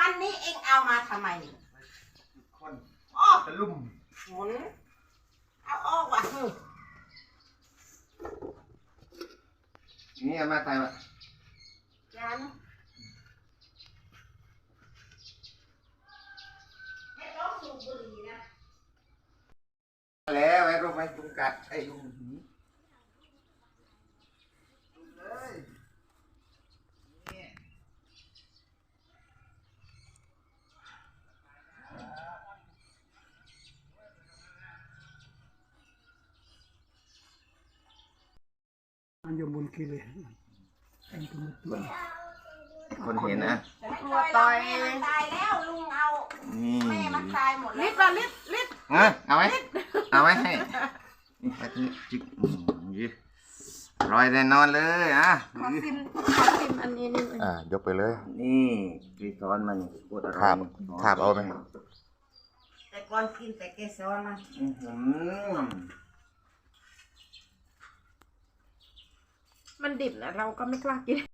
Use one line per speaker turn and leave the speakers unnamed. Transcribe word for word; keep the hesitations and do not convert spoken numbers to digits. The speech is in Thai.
วันนี้เองเอามาทำไม
คน
อ้อ
ตะลุ่ม
หมุนเอาออกว่ะ
นี่เอามาตายมา
จานให้ร้องสูบบุหรี่นะ
แล้วไอ้รูปไอ้ยุงกัดไอ้ยุงหีเลยนี่
มันจะมุนกิเลสอันนี้ก็มันตัว
คนเห็นนะ
ฉันกลัวต่อยมันตายแล้วลุงเอา
นี่
แม่มันตายหมดแล้วลิดละลิดลิด
เออเอาไว้เอาไว้ให้นี่ไปที่จิกอืมยี่ร้อยแน่นอนเลยอ่ะ
ขอซิมขอซิมอันนี้นิดนึง
อ่ายกไปเลย
นี่กีซ้อนมันปวดอะไร
ขาบขาบเอาไหม
แต่ก่อนกินแต่เกสรมัน
อื้อหือ
มันดิบนะเราก็ไม่กล้ากิน